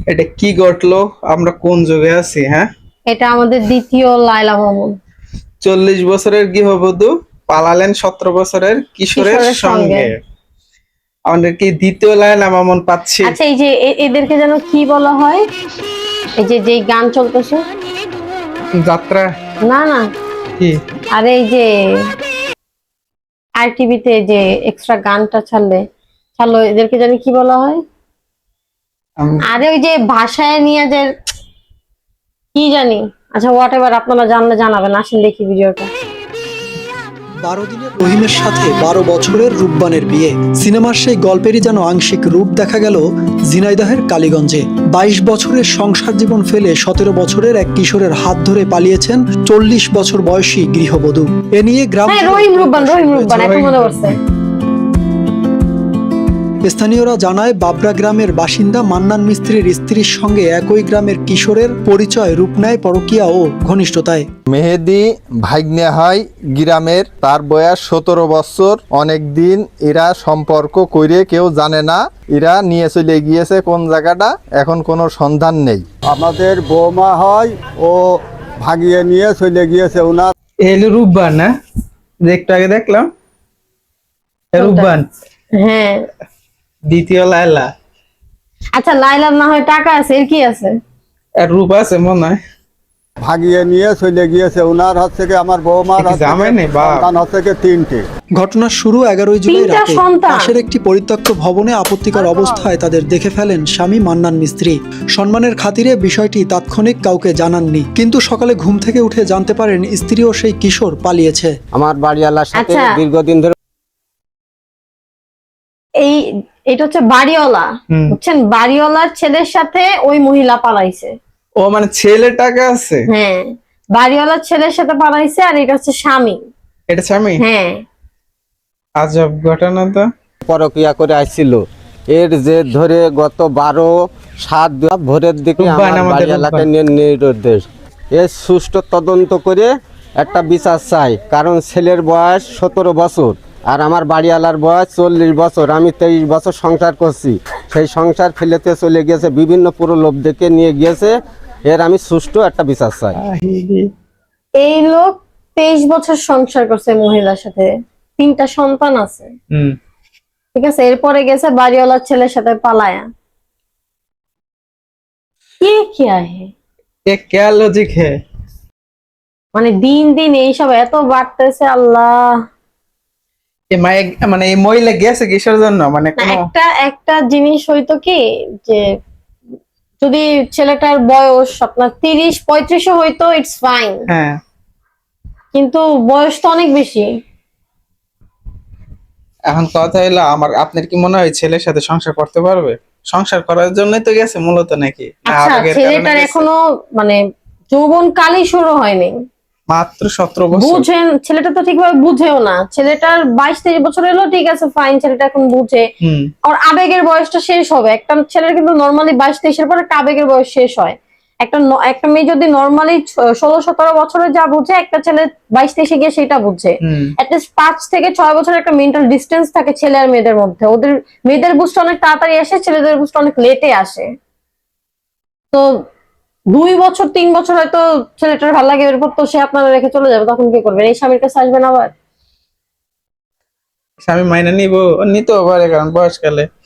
এটা কি ঘটলো? আমরা কোন যুগে আছি? হ্যাঁ, এটা আমাদের দ্বিতীয় লায়লা মামুন 40 বছরের গৃহবধূ পালালেন 17 বছরের কিশোরের কিশোরের সঙ্গে। সঙ্গে। আমাদের কি দ্বিতীয় লায়লা মামুন পাচ্ছি? আচ্ছা, এই যে এদেরকে যেন কি বলা হয়, এই যে যেই গান চলতেছে? যাত্রা? না না, কি? আরে এই যে আর টিভিতে যে এক্সট্রা গানটা ছাড়লো এদেরকে জানি কি বলা হয়? আরে ওই যে ভাষায় নিয়ে যে কি জানি। আচ্ছা, হোয়াট এভার, আপনারা জানলে জানাবেন। আসেন দেখি ভিডিওটা। 12 দিনের রহিমের সাথে 12 বছরের রূপবানের বিয়ে। সিনেমার সেই গল্পেরই যেন আংশিক রূপ দেখা গেল ঝিনাইদহের কালীগঞ্জে। 22 বছরের সংসার জীবন ফেলে 17 বছরের এক কিশোরের হাত ধরে পালিয়েছেন 40 বছর বয়সী গৃহবধূ। এ নিয়ে গ্রাম রহিম রূপবান এখন মনে পড়ছে। স্থানীয়রা জানায় বাবরা গ্রামের বাসিন্দা মান্নান মিস্ত্রির স্ত্রীর সঙ্গে একই গ্রামের কিশোরের পরিচয় রূপ নেয় পরকীয়া ও ঘনিষ্ঠতায়। মেহেদি ভাগ্নে হয় গ্রামের, তার বয়স 17 বছর। অনেকদিন এরা সম্পর্ক করে কেউ জানে না, এরা নিয়ে চলে গিয়েছে কোন জায়গাটা, এখন কোনো সন্ধান নেই। আমাদের বৌমা হয়, ও ভাগিয়ে নিয়ে চলে গিয়েছে ওনার। এলো রূপবান না, যে একটু আগে দেখলাম রূপবান হ্যাঁ, দ্বিতীয় লায়লা। আচ্ছা, লাইলার না হয় টাকা আছে, এর কি আছে? আর রূপ আছে মনে হয়। ভাগিয়ে নিয়ে চলে গিয়েছে ওনার হাত থেকে। আমার বৌমার হাত জামাই নেই, বাপ। সন্তান হাত থেকে 3টে। ঘটনার শুরু 11 জুলাই তিনটা রাতে সন্তান। পাশের একটি পরিত্যক্ত ভবনে আপত্তিকর অবস্থায় তাদের দেখে ফেলেন স্বামী মান্নান মিস্ত্রি। সম্মানের খাতিরে বিষয়টি তাৎক্ষণিক কাউকে জানাননি, কিন্তু সকালে ঘুম থেকে উঠে জানতে পারেন স্ত্রী ও সেই কিশোর পালিয়েছে। আমার বাড়িওয়ালার সাথে আচ্ছা। দীর্ঘদিন ধরে এটা হচ্ছে বাড়িওয়ালা, বুঝছেন? বাড়িওয়ালার ছেলের সাথে ওই মহিলা পালাইছে। ও মানে ছেলে টাকা আছে? হ্যাঁ, বাড়িওয়ালার ছেলের সাথে পালাইছে, আর এটা হচ্ছে স্বামী। এটা স্বামী? হ্যাঁ, আজব ঘটনা তো। পরকিয়া করে আসছিল। এর যে ধরে গত 12/7 ভোরের দিকে রূপবান আমার আমাদের বাড়িওয়ালাকে রূপবান। নির্দেশ এর সুষ্ঠু তদন্ত করে একটা বিচার চাই, কারণ ছেলের বয়স 17 বছর আর আমার বাড়িওয়ালার বয়স 40 বছর। আমি 23 বছর সংসার করছি, সেই সংসার ফেলেতে চলে গিয়েছে, বিভিন্ন প্রলোভ দেখে নিয়ে গিয়েছে। এর আমি সুষ্ঠু একটা বিচার চাই। এই লোক 23 বছর সংসার করছে মহিলার সাথে, 3টা সন্তান আছে, ঠিক আছে? এরপরে গেছে বাড়িওয়ালার ছেলের সাথে পালায়া। কে কিয়া হে? ये क्या लॉजिक है? মানে দিন দিন এইসব এত বাড়তেছে, আল্লাহ। ये মানে এই মহিলা গেছে কিসের জন্য? মানে না, কোনো একটা জিনিস হইতো কি, যে যদি ছেলেটার বয়স আপনার 30-35 হইতো, ইটস ফাইন, হ্যাঁ, কিন্তু বয়স তো অনেক বেশি। এখন কথা হলো আপনার কি মনে হয় ছেলের সাথে সংসার করতে পারবে? সংসার করার জন্যই তো গেছে মূলত, নাকি না আচ্ছা, আবেগের কারণে ছেলেটার গেছে? এখনো মানে যৌবন কালই শুরু হয়নি, মাত্র 17 বছর। বুঝেন? ছেলেটা তো ঠিকভাবে বুঝেও না। ছেলেটার 22-23 বছর হলো, ঠিক আছে, ফাইন, ছেলেটা এখন বুঝে। আর আবেগের বয়সটা শেষ হবে একটা ছেলের, কিন্তু নর্মালি 22-23-এর পর একটা আবেগের বয়স শেষ হয়। একটা মেয়ে যদি নর্মালি 16-17 বছরে যা বুঝে, একটা ছেলে 22-23-এ গিয়ে সেটা বুঝে। অ্যাটলিস্ট 5 থেকে 6 বছরের একটা মেন্টাল ডিস্টেন্স থাকে ছেলে আর মেয়েদের মধ্যে। ওদের মেয়েদের বুঝটা অনেক তাড়াতাড়ি আসে, ছেলেদের বুঝটা অনেক লেটে আসে। তো 2 বছর 3 বছর হয়তো ছেলেটার ভালো লাগে, এরপর তো সে আপনারা রেখে চলে যাবে, তখন কি করবেন? এই স্বামীর কাছে আসবেন আবার? স্বামী মাইনে নিব, নিতেও পারে, কারণ বয়সকালে